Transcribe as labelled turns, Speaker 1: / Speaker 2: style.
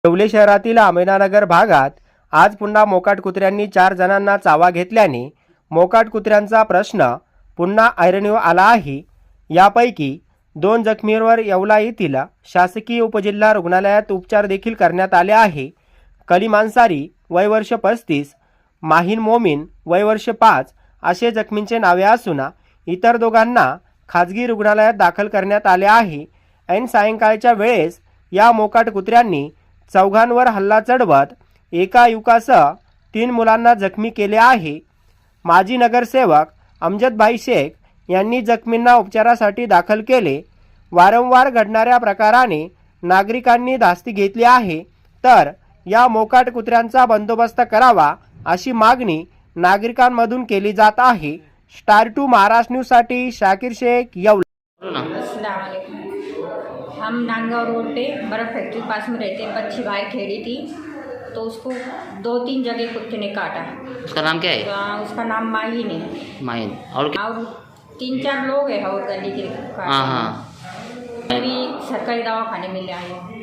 Speaker 1: येवले शहरातील आमेनानगर भागात आज पुन्हा मोकाट कुत्र्यांनी 4 जणांना चावा घेतल्याने मोकाट कुत्र्यांचा प्रश्न पुन्हा ऐरणीवर आला आहे। यापैकी 2 जखमींवर येवला येथील शासकीय उपजिल्हा रुग्णालयात उपचार देखील करण्यात आले आहे। कलीम अन्सारी वय वर्ष 35, माहीन मोमीन वय वर्ष 5 असे जखमींचे नावे असून इतर दोघांना खाजगी रुग्णालयात दाखल करण्यात आले आहे। ऐन सायंकाळच्या वेळेस या मोकाट कुत्र्यांनी चौघांवर हल्ला चढवत एका युवकासह 3 मुलांना जखमी केले आहे। माजी नगरसेवक अमजदभाई शेख यांनी जखमींना उपचारासाठी दाखल केले। वारंवार घडणाऱ्या प्रकाराने नागरिकांनी धास्ती घेतली आहे, तर या मोकाट कुत्र्यांचा बंदोबस्त करावा अशी मागणी नागरिकांमधून केली जात आहे। स्टार 2 महाराष्ट्र न्यूज साठी शाकिर शेख, येवला।
Speaker 2: अस्सलाम वालेकुम। हम नांदगांव रोड पे बर्फ फैक्ट्री पास में रहते हैं। बच्ची भाई खेली थी तो उसको 2-3 जगह कुत्ते ने काटा।
Speaker 3: उसका नाम क्या है?
Speaker 2: उसका नाम माहीन है।
Speaker 3: माहिन। और
Speaker 2: 3-4 लोग हैं और गली के।
Speaker 3: हाँ हाँ।
Speaker 2: अभी सरकारी दवाखाने में ले आए।